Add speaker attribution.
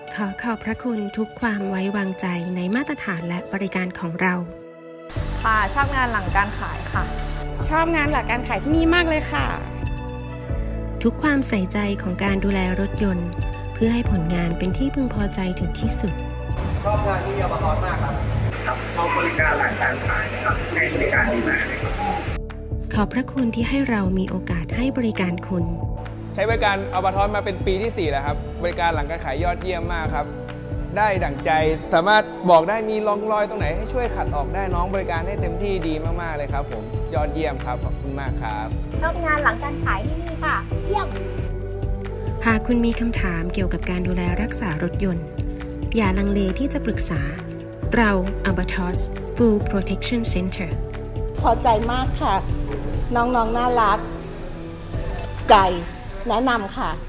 Speaker 1: ขอบพระคุณทุกความไว้วางใจในมาตรฐานและบริการของเรา
Speaker 2: ค่ะชอบงานหลังการขายค่ะ
Speaker 3: ชอบงานหลังการขายที่นี่มากเลยค่ะ
Speaker 1: ทุกความใส่ใจของการดูแลรถยนต์เพื่อให้ผลงานเป็นที่พึงพอใจถึงที่สุด
Speaker 4: ชอบงานที่อบต.มากครับชอบบริการหลังการขายนะครับให้บริการดีมากเลยครับ
Speaker 1: ขอบพระคุณที่ให้เรามีโอกาสให้บริการคุณ
Speaker 5: ใช้บริการอบต.มาเป็นปีที่4แล้วครับบริการหลังการขายยอดเยี่ยมมากครับได้ดั่งใจสามารถบอกได้มีร่องรอยตรงไหนให้ช่วยขัดออกได้น้องบริการให้เต็มที่ดีมากๆเลยครับผมยอดเยี่ยมครับขอบคุณมากครับ
Speaker 2: ชอบงานหลังการขายที่นี่ค่ะเยี่ยม
Speaker 1: หากคุณมีคำถามเกี่ยวกับการดูแลรักษารถยนต์อย่าลังเลที่จะปรึกษาเรา Albatross Full Protection Center
Speaker 3: พอใจมากค่ะน้องๆน่ารักใจแนะนำค่ะ